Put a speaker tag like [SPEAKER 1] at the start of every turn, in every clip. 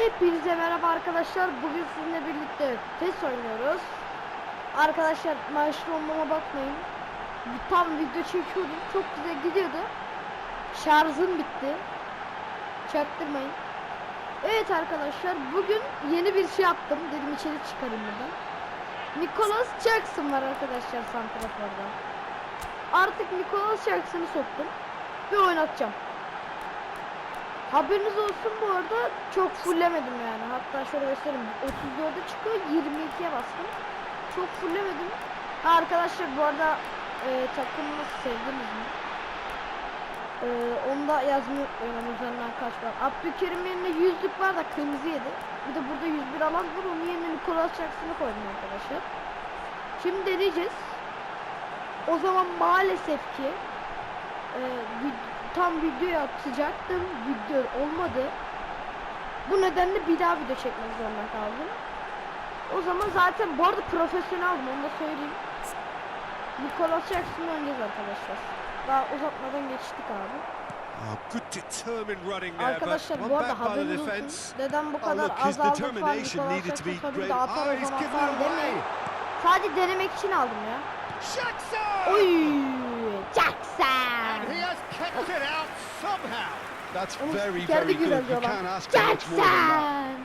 [SPEAKER 1] Hepinize merhaba arkadaşlar. Bugün sizinle birlikte PES oynuyoruz. Arkadaşlar maçlı olmama bakmayın. Tam video çekiyordum. Çok güzel gidiyordu. Şarjım bitti. Çaktırmayın. Evet arkadaşlar, bugün yeni bir şey yaptım. Dedim içeri çıkarayım buradan. Nicholas Jackson var arkadaşlar santraforda. Artık Nicholas Jackson'ı soktum ve oynatacağım. Haberiniz olsun, bu arada çok fullemedim yani. Hatta şöyle göstereyim. 34'e çıkıyor, 22'ye bastım. Çok fullemedim. Arkadaşlar bu arada takımını sevdiniz mi? Onu da yazmayı unutmayın, üzerinden kaç var. Abdülkerim yerine 100'lük var da kırmızı yedi. Bir de burada 101 alan var, onun yerine Nicholas Jackson'ı koydum arkadaşlar. Şimdi deneyeceğiz. O zaman maalesef ki tam videoyu atacaktım, video olmadı. Bu nedenle bir daha video çekmek zorunda kaldım. O zaman zaten bu arada profesyoneldim, onu da söyleyeyim. Nicholas Jackson'ı oynayacağız arkadaşlar. Daha uzatmadan geçtik abi. Arkadaşlar bu arada haberiniz olsun. Neden bu kadar azaldı falan, Nicholas Jackson tabii de atar o zaman falan demeyin. Sadece denemek için aldım ya. Oy, Jackson!
[SPEAKER 2] That's very good. You can't ask for much more than that.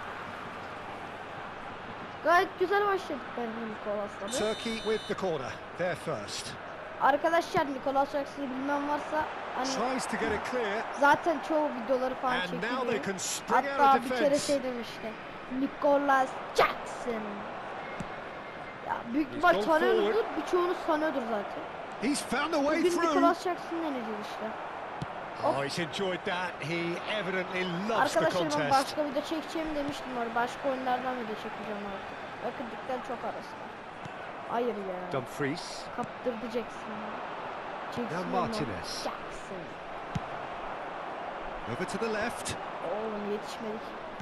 [SPEAKER 1] Gayet güzel başladık bence Nicholas'la.
[SPEAKER 2] Turkey with the corner. They're first.
[SPEAKER 1] Arkadaşlar Nicholas Jackson'ı bilmem varsa hani zaten çoğu videoları falan çekiliyor. Hatta bir kere şey demişti. Nicholas Jackson. Ya büyük ihtimal tanıyoruzdur, birçoğunuz tanıyordur zaten. Bugün Nicholas Jackson'ı deneyeceğiz işte.
[SPEAKER 2] Oh, he's enjoyed that. He evidently loves the
[SPEAKER 1] arkadaşlar
[SPEAKER 2] contest.
[SPEAKER 1] ben başka video çekeceğimi demiştim orada. Başka oyunlardan video çekeceğim artık. Bakın dikten çok arası var. Hayır ya.
[SPEAKER 2] Dumfries.
[SPEAKER 1] Kaptırdı Jackson'ı.
[SPEAKER 2] Now Martinez.
[SPEAKER 1] Jackson.
[SPEAKER 2] Over to the left.
[SPEAKER 1] Oğlum yetişmedik.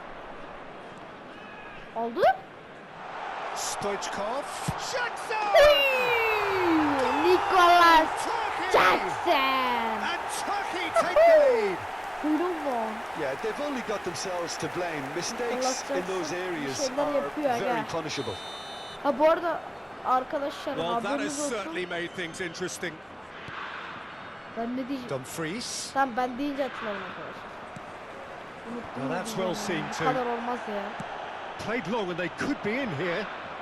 [SPEAKER 1] Oldu.
[SPEAKER 2] Stoichkov. Jackson!
[SPEAKER 1] Nicholas Jackson!
[SPEAKER 2] And Turkey take the lead.
[SPEAKER 3] Yeah, they've only got themselves to blame. Mistakes in those areas are very punishable.
[SPEAKER 1] Ha bu arada arkadaşlar,
[SPEAKER 2] Well, that has
[SPEAKER 1] haberiniz olsun.
[SPEAKER 2] certainly made things interesting.
[SPEAKER 1] Ben ne diyeceğim?
[SPEAKER 2] Dumfries.
[SPEAKER 1] Tamam, ben deyince hatırlarım arkadaşlar. Unuttum.
[SPEAKER 2] Well, that's well seen
[SPEAKER 1] Bu
[SPEAKER 2] too.
[SPEAKER 1] kadar olmaz ya.
[SPEAKER 2] Played long and they could be in here.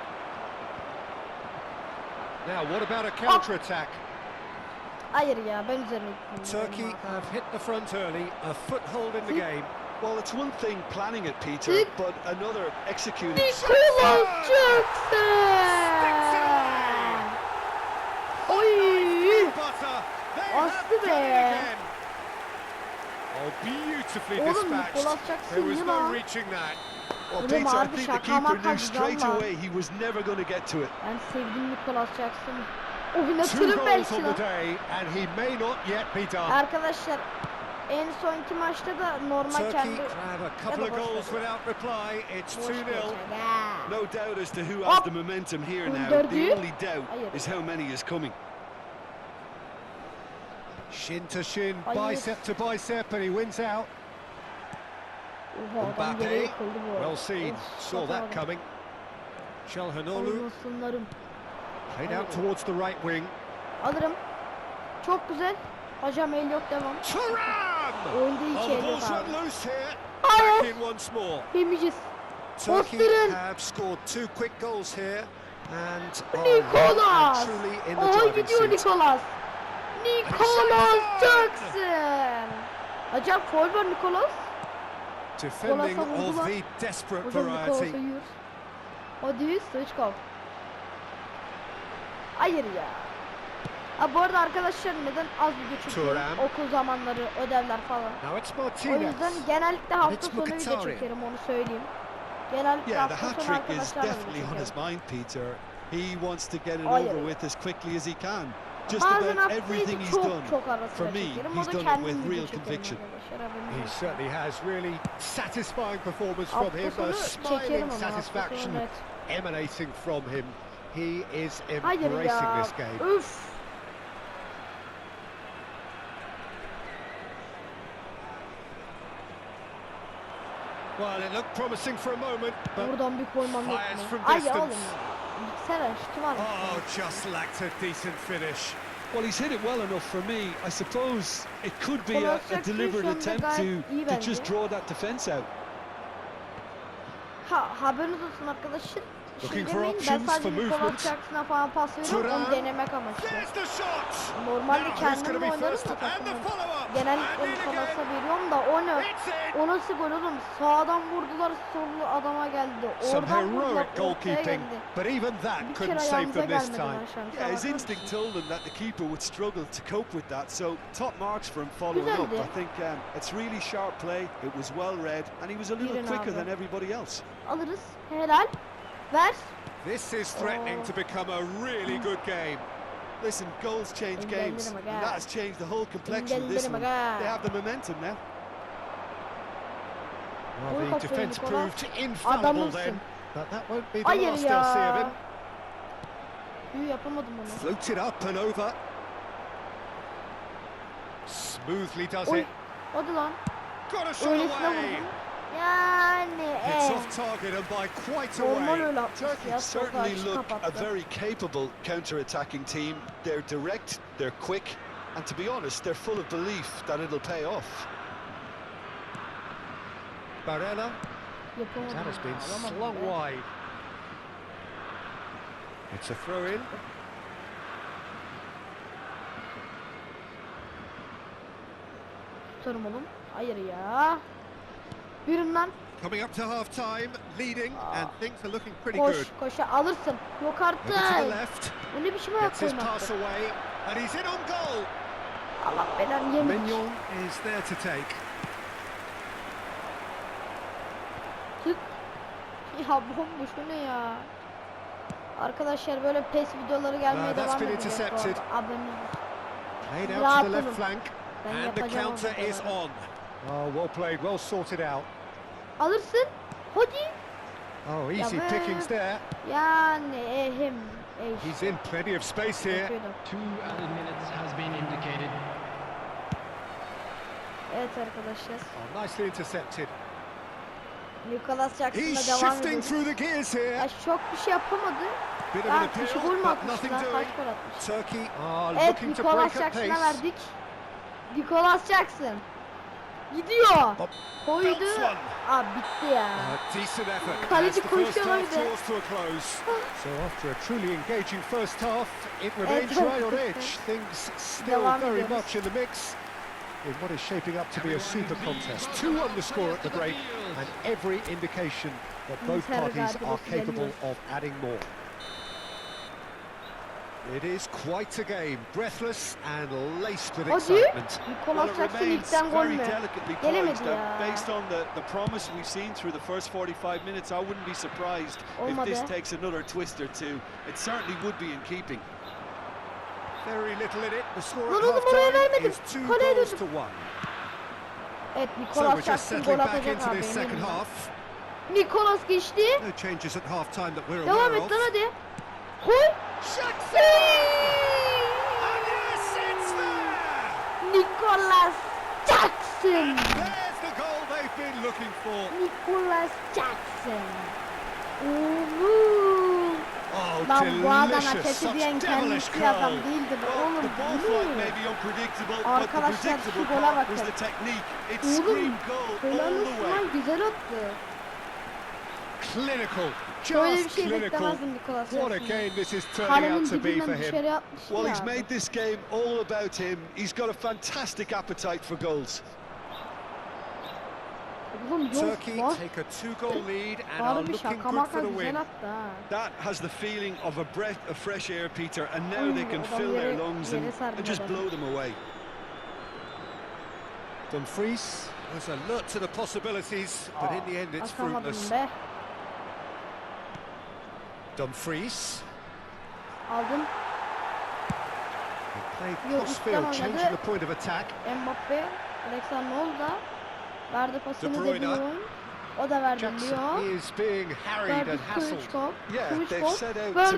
[SPEAKER 2] Now, what about a counter-attack?
[SPEAKER 1] Hayır ya, ben üzerine gittim.
[SPEAKER 2] Turkey have hit the front early, a foothold in the game.
[SPEAKER 3] Well, it's one thing planning it, Peter, but another executing.
[SPEAKER 1] Nicholas Jackson! Oy! Bastı be!
[SPEAKER 2] Oh, beautifully
[SPEAKER 1] Oğlum
[SPEAKER 2] dispatched.
[SPEAKER 1] Nicholas Jackson
[SPEAKER 2] There was
[SPEAKER 1] yine
[SPEAKER 2] no
[SPEAKER 1] lan.
[SPEAKER 2] reaching that.
[SPEAKER 3] Well,
[SPEAKER 1] Oğlum
[SPEAKER 3] Peter, I
[SPEAKER 1] abi
[SPEAKER 3] think the
[SPEAKER 1] şaka
[SPEAKER 3] keeper
[SPEAKER 1] maka
[SPEAKER 3] knew straight
[SPEAKER 1] güzel lan.
[SPEAKER 3] away he was never going to get to it.
[SPEAKER 1] Ben sevdim Nicholas Jackson'ı.
[SPEAKER 2] Two
[SPEAKER 1] Oynatırım
[SPEAKER 2] goals
[SPEAKER 1] belki
[SPEAKER 2] on
[SPEAKER 1] lan.
[SPEAKER 2] the day and he may not yet be done.
[SPEAKER 1] Arkadaşlar en sonki maçta da normal
[SPEAKER 2] Turkey
[SPEAKER 1] kendi...
[SPEAKER 2] have a couple of goals without reply. It's 2-0.
[SPEAKER 3] No doubt as to who has the momentum here now. The only doubt is how many is coming.
[SPEAKER 2] Shin to shin, bicep to bicep, and he wins out. Mbappe, well seen, saw that coming. Çalhanoğlu played out towards the right wing.
[SPEAKER 1] Alırım. Çok güzel. Hocam el yok, devam.
[SPEAKER 2] Thuram!
[SPEAKER 1] Oyunda hiç el yok
[SPEAKER 2] Ball's
[SPEAKER 1] abi.
[SPEAKER 2] run loose here.
[SPEAKER 1] Hayır.
[SPEAKER 2] Back in once more.
[SPEAKER 1] Yemeyeceğiz.
[SPEAKER 2] Turkey
[SPEAKER 1] Bastırın.
[SPEAKER 2] have scored 2 quick goals here and
[SPEAKER 1] Nicholas!
[SPEAKER 2] truly in the
[SPEAKER 1] Oha,
[SPEAKER 2] driving
[SPEAKER 1] gidiyor
[SPEAKER 2] seat.
[SPEAKER 1] Nicholas. Nicholas Jackson. Hocam foul var Nicholas.
[SPEAKER 2] Defending
[SPEAKER 1] vurdular.
[SPEAKER 2] of the desperate
[SPEAKER 1] Hocam
[SPEAKER 2] variety.
[SPEAKER 1] Nicholas'a yiyor. Hadi Stoichkov. Hayır ya. Ha bu arada arkadaşlar, neden az video çekiyorum?
[SPEAKER 2] Thuram.
[SPEAKER 1] Okul zamanları, ödevler falan.
[SPEAKER 2] Now it's
[SPEAKER 1] O
[SPEAKER 2] Martinez.
[SPEAKER 1] yüzden genellikle hafta
[SPEAKER 2] It's
[SPEAKER 1] sonu video
[SPEAKER 2] Mkhitaryan.
[SPEAKER 1] çekerim, onu söyleyeyim. Genellikle
[SPEAKER 3] Yeah, the
[SPEAKER 1] hafta sonu
[SPEAKER 3] hat-trick is
[SPEAKER 1] arkadaşlarla
[SPEAKER 3] definitely
[SPEAKER 1] video
[SPEAKER 3] on his
[SPEAKER 1] çekerim.
[SPEAKER 3] mind, Peter. He wants to get it
[SPEAKER 1] Hayır.
[SPEAKER 3] over with as quickly as he can. Just
[SPEAKER 1] Bazen
[SPEAKER 3] about
[SPEAKER 1] hafta
[SPEAKER 3] everything
[SPEAKER 1] içi
[SPEAKER 3] he's done.
[SPEAKER 1] çok ara
[SPEAKER 3] For
[SPEAKER 1] sıra
[SPEAKER 3] me,
[SPEAKER 1] çekerim. O
[SPEAKER 3] he's
[SPEAKER 1] da
[SPEAKER 3] done it
[SPEAKER 1] kendim
[SPEAKER 3] with
[SPEAKER 1] video
[SPEAKER 3] real
[SPEAKER 1] çekerim
[SPEAKER 3] conviction.
[SPEAKER 1] arkadaşlar, haberiniz
[SPEAKER 2] He
[SPEAKER 1] olsun.
[SPEAKER 2] certainly has really satisfying performance from
[SPEAKER 1] Hafta
[SPEAKER 2] him.
[SPEAKER 1] sonu
[SPEAKER 2] A
[SPEAKER 1] çekerim
[SPEAKER 2] smiling
[SPEAKER 1] ama hafta
[SPEAKER 2] satisfaction
[SPEAKER 1] sonu net.
[SPEAKER 2] emanating from him. He is
[SPEAKER 1] Hayır
[SPEAKER 2] embracing
[SPEAKER 1] ya.
[SPEAKER 2] this game.
[SPEAKER 1] Üf.
[SPEAKER 2] Well, it looked promising for a moment, but
[SPEAKER 1] buradan bir koymam yok
[SPEAKER 2] fires
[SPEAKER 1] mu?
[SPEAKER 2] from
[SPEAKER 1] Ay
[SPEAKER 2] distance.
[SPEAKER 1] oğlum. Bilgisayar şutu var mı?
[SPEAKER 2] Oh, just lacked a decent finish.
[SPEAKER 3] Well, he's hit it well enough for me. I suppose it could be a deliberate attempt to just draw that defence out.
[SPEAKER 1] Haberiniz olsun arkadaşlar.
[SPEAKER 2] Looking
[SPEAKER 1] Şey
[SPEAKER 2] for
[SPEAKER 1] demeyin, ben
[SPEAKER 2] options
[SPEAKER 1] sadece
[SPEAKER 2] for
[SPEAKER 1] Nicolas
[SPEAKER 2] movement.
[SPEAKER 1] Jackson'a falan pas veriyorum, onu
[SPEAKER 2] Thuram.
[SPEAKER 1] denemek amaçlı.
[SPEAKER 2] There's the shot.
[SPEAKER 1] Normalde
[SPEAKER 2] Now who's going to
[SPEAKER 1] kendim
[SPEAKER 2] be
[SPEAKER 1] oynarım
[SPEAKER 2] first?
[SPEAKER 1] da
[SPEAKER 2] And the
[SPEAKER 1] takımım.
[SPEAKER 2] follow-up.
[SPEAKER 1] Genellikle
[SPEAKER 2] And in
[SPEAKER 1] Nicolas'a
[SPEAKER 2] again.
[SPEAKER 1] veriyorum da o ne?
[SPEAKER 2] It's in.
[SPEAKER 1] O nasıl gol oğlum? Sağdan vurdular, sollu adama geldi.
[SPEAKER 2] Some
[SPEAKER 1] Oradan vurdular,
[SPEAKER 2] heroic
[SPEAKER 1] ortaya
[SPEAKER 2] goalkeeping,
[SPEAKER 1] geldi.
[SPEAKER 2] but even that
[SPEAKER 1] Bir
[SPEAKER 2] couldn't
[SPEAKER 1] kere
[SPEAKER 2] save
[SPEAKER 1] ayağımıza
[SPEAKER 2] them this
[SPEAKER 1] gelmedi
[SPEAKER 2] time.
[SPEAKER 1] maşallah.
[SPEAKER 3] Yeah, his instinct told him that the keeper would struggle to cope with that, so top marks for him following up.
[SPEAKER 1] Güzeldi.
[SPEAKER 3] I think it's really sharp play, it was well read, and he was a little
[SPEAKER 1] Yürün
[SPEAKER 3] quicker
[SPEAKER 1] abi.
[SPEAKER 3] than everybody else.
[SPEAKER 1] Alırız. Helal. Ver.
[SPEAKER 2] This is threatening to become a really good game.
[SPEAKER 3] Listen, goals change games, and that has changed the whole complexion of this one. They have the momentum now.
[SPEAKER 2] Well, the defence proved infallible
[SPEAKER 1] Adamımsın.
[SPEAKER 2] then, but that won't be the
[SPEAKER 1] Hayır
[SPEAKER 2] last they'll see of
[SPEAKER 1] ya.
[SPEAKER 2] him.
[SPEAKER 1] Yuh, yapamadım onu.
[SPEAKER 2] Floated up and over. Smoothly does
[SPEAKER 1] Oy.
[SPEAKER 2] it.
[SPEAKER 1] Hadi lan.
[SPEAKER 2] Got a shot
[SPEAKER 1] Öylesine
[SPEAKER 2] away.
[SPEAKER 1] vurdum. Yani
[SPEAKER 2] It's off target and by quite a
[SPEAKER 1] normal
[SPEAKER 2] way.
[SPEAKER 1] öyle atmış
[SPEAKER 3] Turkey
[SPEAKER 1] ya. Solda
[SPEAKER 3] certainly
[SPEAKER 1] açı
[SPEAKER 3] look a
[SPEAKER 1] kapattı.
[SPEAKER 3] very capable counter-attacking team. They're direct, they're quick, and to be honest, they're full of belief that it'll pay off.
[SPEAKER 2] Barella,
[SPEAKER 1] Yapamadım
[SPEAKER 2] that has
[SPEAKER 1] ya,
[SPEAKER 2] been
[SPEAKER 1] alamadım
[SPEAKER 2] slung
[SPEAKER 1] be.
[SPEAKER 2] wide. It's a throw-in.
[SPEAKER 1] Tutarım oğlum. Hayır ya. Yürüm lan.
[SPEAKER 2] Coming up to half-time, leading, and things are looking pretty
[SPEAKER 1] Koş,
[SPEAKER 2] good.
[SPEAKER 1] koşa alırsın. Yok
[SPEAKER 2] Over to the
[SPEAKER 1] artık.
[SPEAKER 2] left,
[SPEAKER 1] Bu ne biçim ayak
[SPEAKER 2] gets his
[SPEAKER 1] koymaktı?
[SPEAKER 2] pass away, and he's in on goal.
[SPEAKER 1] Allah belanı yemiş.
[SPEAKER 2] Mignon is there to take.
[SPEAKER 1] Tık. Ya bomboş bu ne ya? Arkadaşlar böyle PES videoları gelmeye
[SPEAKER 2] Now that's
[SPEAKER 1] devam
[SPEAKER 2] been
[SPEAKER 1] edecek bu
[SPEAKER 2] intercepted.
[SPEAKER 1] arada. Haberiniz olsun.
[SPEAKER 2] Laid out
[SPEAKER 1] Rahat
[SPEAKER 2] to the left
[SPEAKER 1] olun.
[SPEAKER 2] flank,
[SPEAKER 1] Ben
[SPEAKER 2] and the
[SPEAKER 1] yapacağım o
[SPEAKER 2] counter is
[SPEAKER 1] videoları.
[SPEAKER 2] on. Oh, well played, well sorted out.
[SPEAKER 1] Alırsın. Hadi.
[SPEAKER 2] Oh, easy
[SPEAKER 1] be.
[SPEAKER 2] pickings there.
[SPEAKER 1] Yani
[SPEAKER 2] He's in plenty of space here.
[SPEAKER 1] Yapıyordum.
[SPEAKER 4] 2 added minutes has been indicated.
[SPEAKER 1] Evet arkadaşlar.
[SPEAKER 2] Oh, nicely intercepted.
[SPEAKER 1] Nicolas
[SPEAKER 2] He's
[SPEAKER 1] Jackson'la devam
[SPEAKER 2] shifting
[SPEAKER 1] ediyoruz.
[SPEAKER 2] through the gears
[SPEAKER 1] Ya
[SPEAKER 2] here.
[SPEAKER 1] çok bir şey yapamadı.
[SPEAKER 2] Bit of an
[SPEAKER 1] Ya kişi gol
[SPEAKER 2] appeal,
[SPEAKER 1] mü
[SPEAKER 2] but
[SPEAKER 1] atmış
[SPEAKER 2] nothing
[SPEAKER 1] lan? Kaç
[SPEAKER 2] doing.
[SPEAKER 1] gol atmış?
[SPEAKER 2] Turkey
[SPEAKER 1] Evet,
[SPEAKER 2] looking to
[SPEAKER 1] Nicolas
[SPEAKER 2] break at
[SPEAKER 1] Jackson'a
[SPEAKER 2] pace.
[SPEAKER 1] verdik. Nicolas Jackson. Gidiyor.
[SPEAKER 2] Hop.
[SPEAKER 1] Koydu.
[SPEAKER 2] Belts one.
[SPEAKER 1] Aa bitti ya.
[SPEAKER 2] A decent effort.
[SPEAKER 1] Kaleci
[SPEAKER 2] As the first
[SPEAKER 1] koşuyor
[SPEAKER 2] half
[SPEAKER 1] bir de.
[SPEAKER 2] draws to a close. So after a truly engaging first half, it remains
[SPEAKER 1] Evet,
[SPEAKER 2] right on
[SPEAKER 1] evet.
[SPEAKER 2] edge. Things still
[SPEAKER 1] Devam
[SPEAKER 2] very
[SPEAKER 1] ediyoruz.
[SPEAKER 2] much in the mix in what is shaping up to be a super contest. 2 on the score at the break, and every indication that both
[SPEAKER 1] Inter
[SPEAKER 2] parties are
[SPEAKER 1] galibiyeti
[SPEAKER 2] capable
[SPEAKER 1] geliyor.
[SPEAKER 2] of adding more. It is quite a game, breathless and laced with
[SPEAKER 1] Hadi.
[SPEAKER 2] excitement.
[SPEAKER 1] Nicolas
[SPEAKER 3] it
[SPEAKER 1] Jackson
[SPEAKER 3] remains
[SPEAKER 1] ilkten gol
[SPEAKER 3] very
[SPEAKER 1] mü?
[SPEAKER 3] delicately
[SPEAKER 1] Gelemedi
[SPEAKER 3] poised, and
[SPEAKER 1] ya.
[SPEAKER 3] based on the promise we've seen through the first 45 minutes, I wouldn't be surprised if this
[SPEAKER 1] Olmadı.
[SPEAKER 3] takes another twist or two. It certainly would be in keeping.
[SPEAKER 2] Very little in it. The score
[SPEAKER 1] Lan
[SPEAKER 2] at
[SPEAKER 1] oğlum oraya
[SPEAKER 2] half-time
[SPEAKER 1] vermedim.
[SPEAKER 2] is 2
[SPEAKER 1] Kaleye
[SPEAKER 2] goals
[SPEAKER 1] döndüm.
[SPEAKER 2] to 1.
[SPEAKER 1] Evet
[SPEAKER 2] So
[SPEAKER 1] Nicolas
[SPEAKER 2] we're just
[SPEAKER 1] Jackson
[SPEAKER 2] settling
[SPEAKER 1] gol
[SPEAKER 2] back
[SPEAKER 1] atacak
[SPEAKER 2] into
[SPEAKER 1] abi
[SPEAKER 2] this second
[SPEAKER 1] eminim.
[SPEAKER 2] half.
[SPEAKER 1] Nicolas geçti.
[SPEAKER 2] No changes at half-time that we're
[SPEAKER 1] Devam
[SPEAKER 2] aware
[SPEAKER 1] et
[SPEAKER 2] of.
[SPEAKER 1] lan hadi. Koy.
[SPEAKER 2] Jackson! And yes, it's there!
[SPEAKER 1] Nicolas Jackson.
[SPEAKER 2] There's the goal they've been looking for.
[SPEAKER 1] Nicolas Jackson. Oğlum.
[SPEAKER 2] Oh,
[SPEAKER 1] Lan bu adam
[SPEAKER 2] delicious.
[SPEAKER 1] hareketi diyen
[SPEAKER 2] Such devilish
[SPEAKER 1] kendisi adam
[SPEAKER 2] goal.
[SPEAKER 1] değildi bu
[SPEAKER 3] Well,
[SPEAKER 1] oğlum.
[SPEAKER 3] the ball
[SPEAKER 1] Bu
[SPEAKER 3] flight
[SPEAKER 1] ne?
[SPEAKER 3] may be unpredictable, but the
[SPEAKER 1] Arkadaşlar,
[SPEAKER 3] predictable
[SPEAKER 1] şu gola
[SPEAKER 3] part was
[SPEAKER 1] bakın.
[SPEAKER 3] the technique. It
[SPEAKER 1] Oğlum.
[SPEAKER 3] screamed goal
[SPEAKER 1] Helal
[SPEAKER 3] all the
[SPEAKER 1] olsun
[SPEAKER 3] way.
[SPEAKER 1] lan güzel attı.
[SPEAKER 2] Clinical.
[SPEAKER 1] Böyle bir
[SPEAKER 2] Just
[SPEAKER 1] şey
[SPEAKER 2] clinical.
[SPEAKER 1] beklemezdim Nicolas
[SPEAKER 2] What a
[SPEAKER 1] Jackson'dan.
[SPEAKER 2] game this is turning
[SPEAKER 1] Kalenin
[SPEAKER 2] out to be
[SPEAKER 1] dibinden
[SPEAKER 2] for him.
[SPEAKER 1] dışarı atmıştı
[SPEAKER 3] Well,
[SPEAKER 1] ya.
[SPEAKER 3] he's made this game all about him. He's got a fantastic appetite for goals.
[SPEAKER 1] Oğlum yok
[SPEAKER 2] Turkey
[SPEAKER 1] lan.
[SPEAKER 2] take a 2-goal lead and are
[SPEAKER 1] Bari bir
[SPEAKER 2] looking
[SPEAKER 1] şaka
[SPEAKER 2] good
[SPEAKER 1] maka
[SPEAKER 2] for the
[SPEAKER 1] güzel
[SPEAKER 2] win.
[SPEAKER 1] attı ha.
[SPEAKER 3] That has the feeling of a breath of fresh air, Peter, and now they can
[SPEAKER 1] adam
[SPEAKER 3] fill their
[SPEAKER 1] yere-
[SPEAKER 3] lungs
[SPEAKER 1] yere
[SPEAKER 3] and
[SPEAKER 1] sardı
[SPEAKER 3] just
[SPEAKER 1] adamı.
[SPEAKER 3] blow them away.
[SPEAKER 2] Dumfries was alert to the possibilities, but in the end it's
[SPEAKER 1] Atamadım
[SPEAKER 2] fruitless.
[SPEAKER 1] be.
[SPEAKER 2] Dumfries
[SPEAKER 1] Aldım.
[SPEAKER 2] played
[SPEAKER 1] Yo,
[SPEAKER 2] crossfield,
[SPEAKER 1] üstten
[SPEAKER 2] changing
[SPEAKER 1] oynadı.
[SPEAKER 2] the point of attack.
[SPEAKER 1] Mbappe. Alexander Noel da verdi pasını
[SPEAKER 2] De
[SPEAKER 1] De
[SPEAKER 2] Bruyne.
[SPEAKER 1] Bruyne. O da verdi
[SPEAKER 2] Jackson
[SPEAKER 1] Lyon.
[SPEAKER 2] is being harried
[SPEAKER 1] Verdi
[SPEAKER 2] and hassled.
[SPEAKER 1] Kılıçkop.
[SPEAKER 3] Yeah, they've
[SPEAKER 1] Kılıçkop.
[SPEAKER 3] set out to
[SPEAKER 1] Verdi
[SPEAKER 3] man-mark him
[SPEAKER 1] pasını
[SPEAKER 3] now,
[SPEAKER 1] Nicolas
[SPEAKER 3] but this is
[SPEAKER 1] Jackson.
[SPEAKER 3] an embarrassing
[SPEAKER 1] Hayır,
[SPEAKER 3] example
[SPEAKER 1] bravo
[SPEAKER 3] of too
[SPEAKER 1] Nicolas.
[SPEAKER 3] little too late.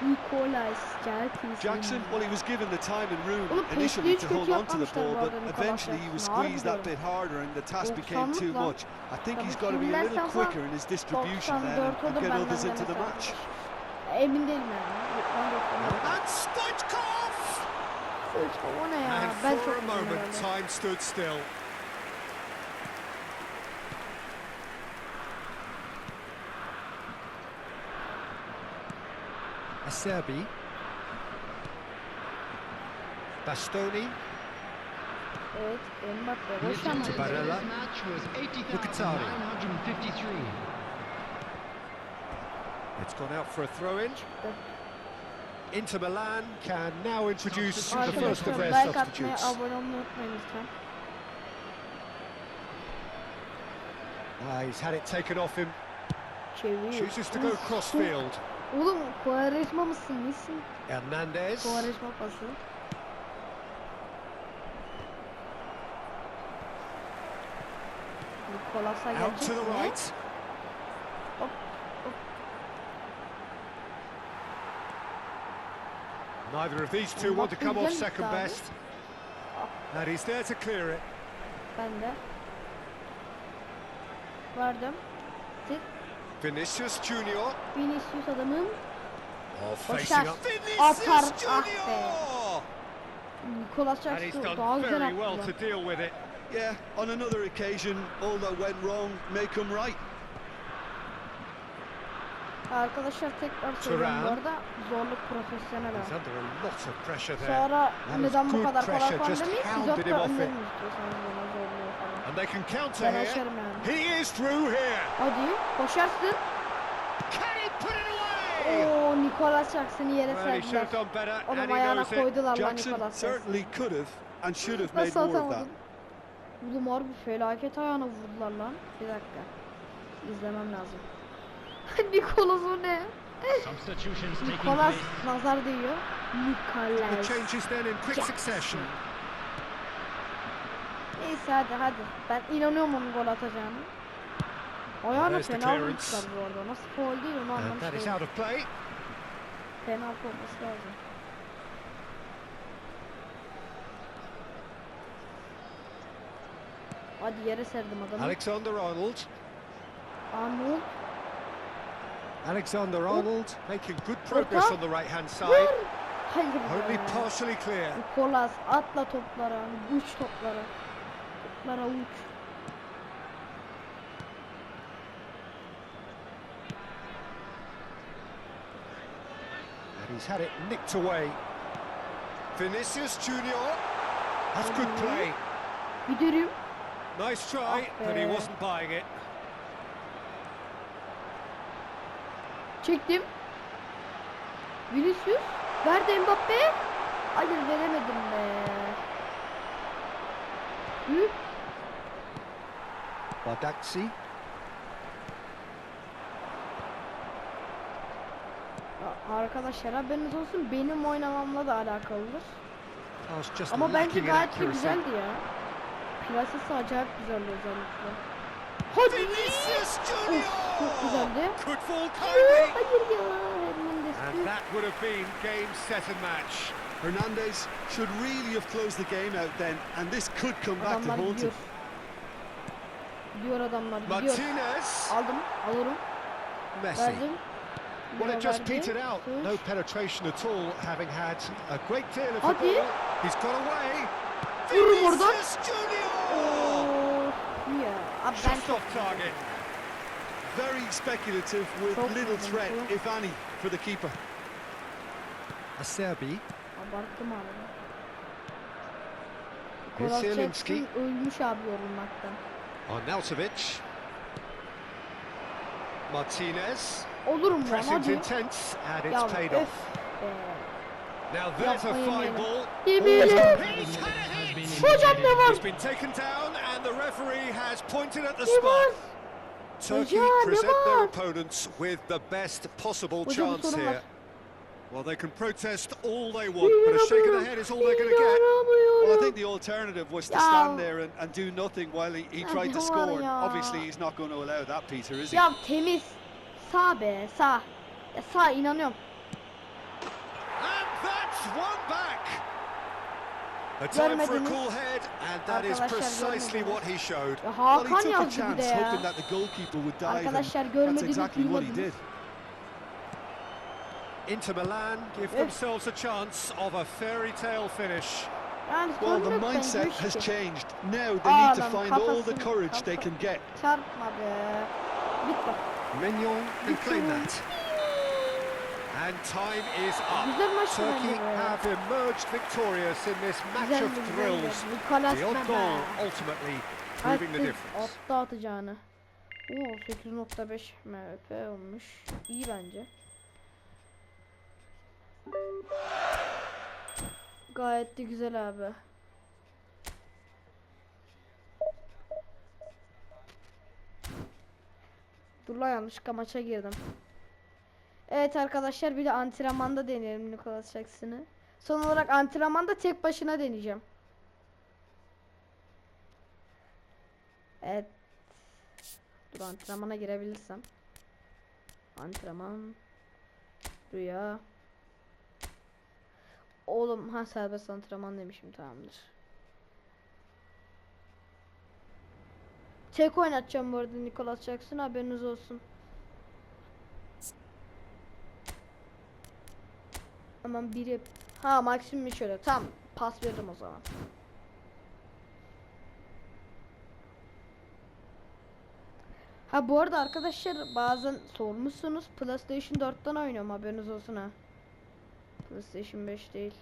[SPEAKER 1] Nicolas
[SPEAKER 3] Jackson, well, he was given the time and room
[SPEAKER 1] Oğlum,
[SPEAKER 3] initially to
[SPEAKER 1] Pesli'yi
[SPEAKER 3] hold
[SPEAKER 1] çok
[SPEAKER 3] on to the
[SPEAKER 1] yapmamışlar
[SPEAKER 3] ball,
[SPEAKER 1] bu
[SPEAKER 3] but
[SPEAKER 1] arada Nicolas
[SPEAKER 3] eventually he was
[SPEAKER 1] Jackson'ı.
[SPEAKER 3] squeezed that bit harder and the task became
[SPEAKER 1] 90'lık
[SPEAKER 3] too
[SPEAKER 1] lan.
[SPEAKER 3] much. I think he's
[SPEAKER 1] Tabii
[SPEAKER 3] got to be a little
[SPEAKER 1] filmlersen
[SPEAKER 3] quicker in his distribution then
[SPEAKER 1] 94
[SPEAKER 3] and
[SPEAKER 1] olur
[SPEAKER 3] get
[SPEAKER 1] benden
[SPEAKER 3] others
[SPEAKER 1] de
[SPEAKER 3] into the
[SPEAKER 1] mesela.
[SPEAKER 3] match.
[SPEAKER 1] Emin değilim yani. Ben de yapamıyorum.
[SPEAKER 2] And Stoichkov!
[SPEAKER 1] O ne ya?
[SPEAKER 2] And
[SPEAKER 1] Ben
[SPEAKER 2] for
[SPEAKER 1] çok
[SPEAKER 2] a
[SPEAKER 1] üzüldüm
[SPEAKER 2] moment,
[SPEAKER 1] herhalde.
[SPEAKER 2] time stood still. Acerbi. Bastoni.
[SPEAKER 1] Evet, Mbappe.
[SPEAKER 4] The
[SPEAKER 1] Boş ama.
[SPEAKER 4] attendance in
[SPEAKER 2] Barella.
[SPEAKER 4] this match was
[SPEAKER 2] Mkhitaryan.
[SPEAKER 4] 80,953.
[SPEAKER 2] It's gone out for a throw-in. Inter Milan can now introduce the
[SPEAKER 4] Arkadaşlar,
[SPEAKER 2] first of their
[SPEAKER 1] like atmayı,
[SPEAKER 2] substitutes.
[SPEAKER 1] abone olmayı unutmayın lütfen.
[SPEAKER 2] He's had it taken off him.
[SPEAKER 1] Çevir.
[SPEAKER 2] Chooses to go crossfield.
[SPEAKER 1] Oğlum, Quaresma mısın? Nesin?
[SPEAKER 2] Hernandez.
[SPEAKER 1] Quaresma pası. Nicolas'a
[SPEAKER 2] Out
[SPEAKER 1] gelecek
[SPEAKER 2] to the
[SPEAKER 1] mi?
[SPEAKER 2] right.
[SPEAKER 1] Hop, hop.
[SPEAKER 2] Neither of these two want to come off
[SPEAKER 1] Mbappe'den
[SPEAKER 2] second
[SPEAKER 1] gitti abi.
[SPEAKER 2] best. And he's there to clear it.
[SPEAKER 1] Ben de. Verdim. Tık.
[SPEAKER 2] Vinicius Junior.
[SPEAKER 1] Vinicius adamım.
[SPEAKER 2] Oh,
[SPEAKER 1] Başar.
[SPEAKER 2] facing up.
[SPEAKER 1] Atar.
[SPEAKER 2] Vinicius
[SPEAKER 1] Ah
[SPEAKER 2] Junior!
[SPEAKER 1] be. Nicolas
[SPEAKER 2] And he's
[SPEAKER 1] Jackson
[SPEAKER 2] done
[SPEAKER 1] daha güzel
[SPEAKER 2] very
[SPEAKER 1] attı
[SPEAKER 2] well
[SPEAKER 1] lan.
[SPEAKER 2] to deal with it.
[SPEAKER 3] Yeah, on another occasion, all that went wrong may come right.
[SPEAKER 1] Arkadaşlar tekrar söylüyorum bu
[SPEAKER 2] Thuram.
[SPEAKER 1] arada zorluk profesyonel
[SPEAKER 2] He's
[SPEAKER 1] ha.
[SPEAKER 2] under a lot of pressure there.
[SPEAKER 1] Sonra
[SPEAKER 2] That is
[SPEAKER 1] neden bu
[SPEAKER 2] good
[SPEAKER 1] kadar kolay
[SPEAKER 2] pressure,
[SPEAKER 1] falan
[SPEAKER 2] just
[SPEAKER 1] demeyiz. Siz
[SPEAKER 2] hounded him
[SPEAKER 1] hatta
[SPEAKER 2] off it.
[SPEAKER 1] önlerim istiyorsanız bana zorluyor falan.
[SPEAKER 2] And they can counter
[SPEAKER 1] Ben
[SPEAKER 2] here.
[SPEAKER 1] açarım yani.
[SPEAKER 2] He is through here.
[SPEAKER 1] Hadi koşarsın.
[SPEAKER 2] Can he put it away?
[SPEAKER 1] Oo, Nicolas Jackson'ı yere
[SPEAKER 2] Well, he should
[SPEAKER 1] serdiler.
[SPEAKER 2] have done better,
[SPEAKER 1] Adam
[SPEAKER 2] and he
[SPEAKER 1] ayağına
[SPEAKER 2] knows it.
[SPEAKER 1] koydular lan
[SPEAKER 3] Jackson
[SPEAKER 1] Nicolas Jackson.
[SPEAKER 3] certainly could have and should have made
[SPEAKER 1] Nasıl
[SPEAKER 3] more of that.
[SPEAKER 1] atamadın? Oğlum harbi felaket ayağına vurdular lan. Bir dakika. İzlemem lazım. Nicolas o ne?
[SPEAKER 4] Substitutions taking
[SPEAKER 1] Nicolas
[SPEAKER 4] place.
[SPEAKER 1] nazar değiyor.
[SPEAKER 2] The
[SPEAKER 1] Nicolas.
[SPEAKER 2] changes then in quick
[SPEAKER 1] Jackson.
[SPEAKER 2] succession.
[SPEAKER 1] Neyse hadi. Ben inanıyorum onun gol atacağını. Ayağına
[SPEAKER 2] There's the
[SPEAKER 1] fena
[SPEAKER 2] clearance.
[SPEAKER 1] vurmuşlar bu arada. Nasıl faul değil onu
[SPEAKER 2] And
[SPEAKER 1] anlamış
[SPEAKER 2] that is
[SPEAKER 1] değilim.
[SPEAKER 2] out of play.
[SPEAKER 1] Penaltı olması lazım. Hadi yere serdim adamı.
[SPEAKER 2] Alexander-Arnold.
[SPEAKER 1] Arnold.
[SPEAKER 2] Alexander-Arnold making good progress
[SPEAKER 1] Orta.
[SPEAKER 2] on the right-hand side.
[SPEAKER 1] Vur. Hayır
[SPEAKER 2] Only
[SPEAKER 1] be.
[SPEAKER 2] partially clear.
[SPEAKER 1] Nicolas atla toplara. Uç toplara. Toplara uç.
[SPEAKER 2] And he's had it nicked away. Vinicius Junior. That's good play.
[SPEAKER 1] Giderim.
[SPEAKER 2] Nice try,
[SPEAKER 1] Ah
[SPEAKER 2] but he
[SPEAKER 1] be.
[SPEAKER 2] wasn't buying it.
[SPEAKER 1] Çektim. Vinicius. Verdi Mbappe. Hayır veremedim be. Hı?
[SPEAKER 2] Badaxi.
[SPEAKER 1] Arkadaşlar haberiniz olsun benim oynamamla da alakalıdır.
[SPEAKER 2] Pass just
[SPEAKER 1] Ama bence
[SPEAKER 2] lacking in
[SPEAKER 1] gayet de
[SPEAKER 2] accuracy.
[SPEAKER 1] güzeldi ya. Plasesi acayip güzeldi özellikle. Hadi.
[SPEAKER 2] Vinicius
[SPEAKER 1] Of,
[SPEAKER 2] Junior.
[SPEAKER 1] çok güzeldi.
[SPEAKER 2] Could fall
[SPEAKER 1] Hayır
[SPEAKER 2] kindly.
[SPEAKER 1] ya. Hernandez.
[SPEAKER 2] And that would have been game, set and match.
[SPEAKER 3] Hernandez should really have closed the game out then, and this could come back to
[SPEAKER 1] Adamlar
[SPEAKER 3] haunt
[SPEAKER 1] gidiyor.
[SPEAKER 3] him.
[SPEAKER 1] Gidiyor adamlar gidiyor.
[SPEAKER 2] Martinez.
[SPEAKER 1] Aldım. Alırım.
[SPEAKER 2] Messi.
[SPEAKER 1] Verdim.
[SPEAKER 2] Well, it just
[SPEAKER 1] Verdi.
[SPEAKER 2] petered out.
[SPEAKER 1] Sus.
[SPEAKER 2] No penetration at all, having had a great deal of the
[SPEAKER 1] Hadi.
[SPEAKER 2] ball. He's got away.
[SPEAKER 1] Vururum oradan.
[SPEAKER 2] Vinicius Junior.
[SPEAKER 1] Of ya. Abi ben
[SPEAKER 2] Just
[SPEAKER 1] çok
[SPEAKER 2] off target.
[SPEAKER 3] Very speculative with
[SPEAKER 1] Çok
[SPEAKER 3] little
[SPEAKER 1] güzel,
[SPEAKER 3] threat,
[SPEAKER 1] çok.
[SPEAKER 3] if any, for the keeper.
[SPEAKER 2] Acerbi.
[SPEAKER 1] abarttım abi. Nicolas
[SPEAKER 2] Zielinski.
[SPEAKER 1] Jackson ölmüş abi yorulmaktan.
[SPEAKER 2] Arnautovic. Martinez.
[SPEAKER 1] Olurum lan
[SPEAKER 2] Pressing's
[SPEAKER 1] hadi.
[SPEAKER 2] intense, and
[SPEAKER 1] Ya
[SPEAKER 2] it's paid
[SPEAKER 1] öf
[SPEAKER 2] off.
[SPEAKER 1] be.
[SPEAKER 2] Now there's a
[SPEAKER 1] Yapmayın
[SPEAKER 2] fine
[SPEAKER 1] yani.
[SPEAKER 2] ball.
[SPEAKER 1] Yemeyelim.
[SPEAKER 2] He's
[SPEAKER 4] Has
[SPEAKER 2] had
[SPEAKER 4] been
[SPEAKER 2] it.
[SPEAKER 1] Hocam ne var?
[SPEAKER 2] He's been taken down, and the referee has pointed at the
[SPEAKER 1] Ne var?
[SPEAKER 2] spot. Turkey
[SPEAKER 1] Hocam, ne
[SPEAKER 2] present their
[SPEAKER 1] var?
[SPEAKER 2] opponents with the best possible
[SPEAKER 1] Hocam,
[SPEAKER 2] chance
[SPEAKER 1] sorun
[SPEAKER 2] here.
[SPEAKER 1] var.
[SPEAKER 2] Well, they can protest all they want, but a shake of the head is all they're going to get.
[SPEAKER 3] Well, I think the alternative was to
[SPEAKER 1] Ya.
[SPEAKER 3] stand there and do nothing while he
[SPEAKER 1] Ya
[SPEAKER 3] tried to
[SPEAKER 1] ne var
[SPEAKER 3] score. And
[SPEAKER 1] ya?
[SPEAKER 3] obviously, he's not going to allow that, Peter, is he?
[SPEAKER 1] Ya temiz. Sağ be sağ. Ya sağ inanıyorum.
[SPEAKER 2] one back. A time for a
[SPEAKER 1] Görmediniz.
[SPEAKER 2] cool head, and that is
[SPEAKER 1] Arkadaşlar
[SPEAKER 2] precisely
[SPEAKER 1] görmediniz.
[SPEAKER 2] what he showed.
[SPEAKER 1] Ya
[SPEAKER 3] Well, he
[SPEAKER 1] Hakan
[SPEAKER 3] took a
[SPEAKER 1] yazdı bir de
[SPEAKER 3] chance,
[SPEAKER 1] ya.
[SPEAKER 3] hoping that the goalkeeper would dive, and
[SPEAKER 1] Arkadaşlar
[SPEAKER 3] that's
[SPEAKER 1] görmediniz,
[SPEAKER 3] exactly what he
[SPEAKER 1] duymadınız.
[SPEAKER 3] did.
[SPEAKER 2] Inter Milan give
[SPEAKER 1] Evet.
[SPEAKER 2] themselves a chance of a fairy tale finish.
[SPEAKER 1] Yani
[SPEAKER 3] Well,
[SPEAKER 1] sorun
[SPEAKER 3] the
[SPEAKER 1] yok bence,
[SPEAKER 3] mindset
[SPEAKER 1] üç
[SPEAKER 3] has
[SPEAKER 1] iki.
[SPEAKER 3] changed. Now they need to
[SPEAKER 1] Adam
[SPEAKER 3] find all the
[SPEAKER 1] kafasını-
[SPEAKER 3] courage they can get.
[SPEAKER 1] Çarpma be. Bitti.
[SPEAKER 2] Mignon can claim that. And time is up.
[SPEAKER 1] Güzel maç
[SPEAKER 2] Turkey
[SPEAKER 1] bence be.
[SPEAKER 2] have emerged victorious in this match
[SPEAKER 1] Güzel
[SPEAKER 2] of thrills.
[SPEAKER 1] Nikolas
[SPEAKER 2] The odd
[SPEAKER 1] Bebe.
[SPEAKER 2] goal ultimately proving the difference.
[SPEAKER 1] Attı atacağını. Oo 8.5 MP olmuş. İyi bence. Gayet de güzel abi. Dur lan, yanlışlıkla maça girdim. Evet arkadaşlar, bir de antrenmanda deneyelim Nicolas Jackson'ı. Son olarak antrenmanda tek başına deneyeceğim. Evet. Dur, antrenmana girebilirsem. Antrenman. Rüya. Oğlum, ha serbest antrenman demişim, tamamdır. Tek oynatacağım bu arada Nicolas Jackson, haberiniz olsun. Aman biri, ha maksimum şöyle, tamam, pas veririm o zaman. Ha bu arada arkadaşlar, bazen sormuşsunuz, PlayStation 4'ten oynuyorum, haberiniz olsun ha. PlayStation 5 değil.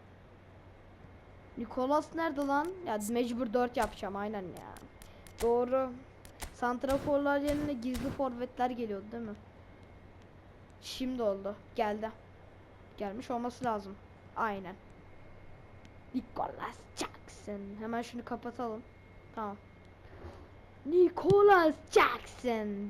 [SPEAKER 1] Nicolas nerede lan? Ya mecbur 4 yapacağım aynen ya. Doğru. Santraforlar yerine gizli forvetler geliyordu değil mi? Şimdi oldu. Geldi. Gelmiş olması lazım. Aynen. Nicolas Jackson. Hemen şunu kapatalım. Tamam. Nicolas Jackson.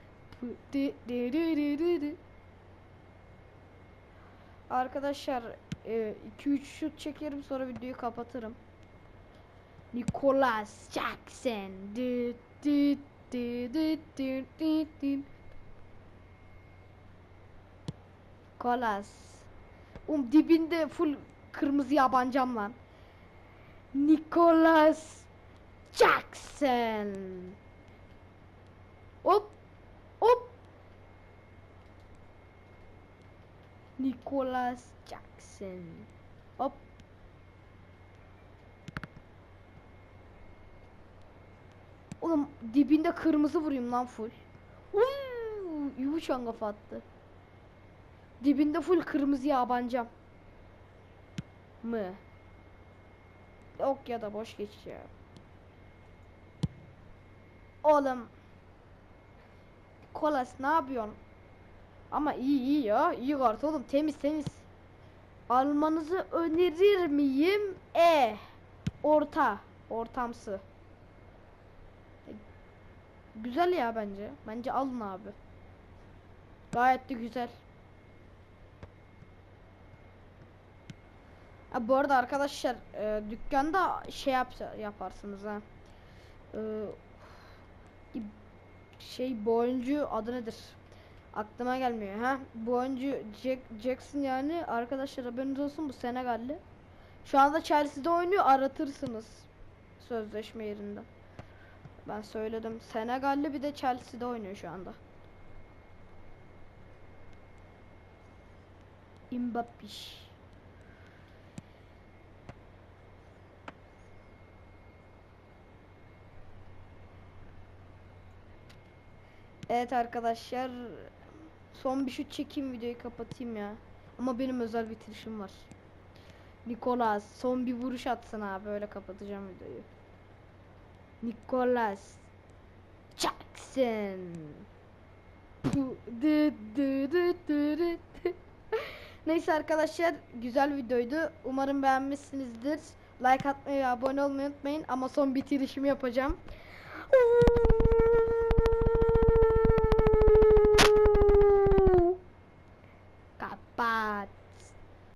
[SPEAKER 1] Arkadaşlar 2-3 şut çekerim, sonra videoyu kapatırım. Nicolas Jackson. Nicolas. Dibinde full kırmızı yabancam lan. Nicolas Jackson. Hop. Hop. Nicolas Jackson. Hop. Oğlum dibinde kırmızı vurayım lan full. Yumuşan kafa attı. Dibinde full kırmızı yabancam. Mı? Yok ya da boş geç ya. Oğlum. Kolas ne yapıyorsun? Ama iyi ya. İyi kart oğlum. Temiz temiz. Almanızı önerir miyim? Orta. Ortamsı. Güzel ya bence. Bence alın abi. Gayet de güzel. Ha, bu arada arkadaşlar dükkanda şey yaparsınız ha. Bu oyuncu adı nedir? Aklıma gelmiyor ha. Bu oyuncu Jackson yani arkadaşlar, haberiniz olsun, bu Senegalli. Şu anda Chelsea'de oynuyor, aratırsınız sözleşme yerinde. Ben söyledim. Senegalli, bir de Chelsea'de oynuyor şu anda. Mbappé. Evet arkadaşlar, son bir şut çekeyim, videoyu kapatayım ya. Ama benim özel bitirişim var. Nicolas son bir vuruş atsın abi, öyle kapatacağım videoyu. Nicolas Jackson. Neyse arkadaşlar, güzel videoydu. Umarım beğenmişsinizdir. Like atmayı ve abone olmayı unutmayın. Ama son bitirişimi yapacağım.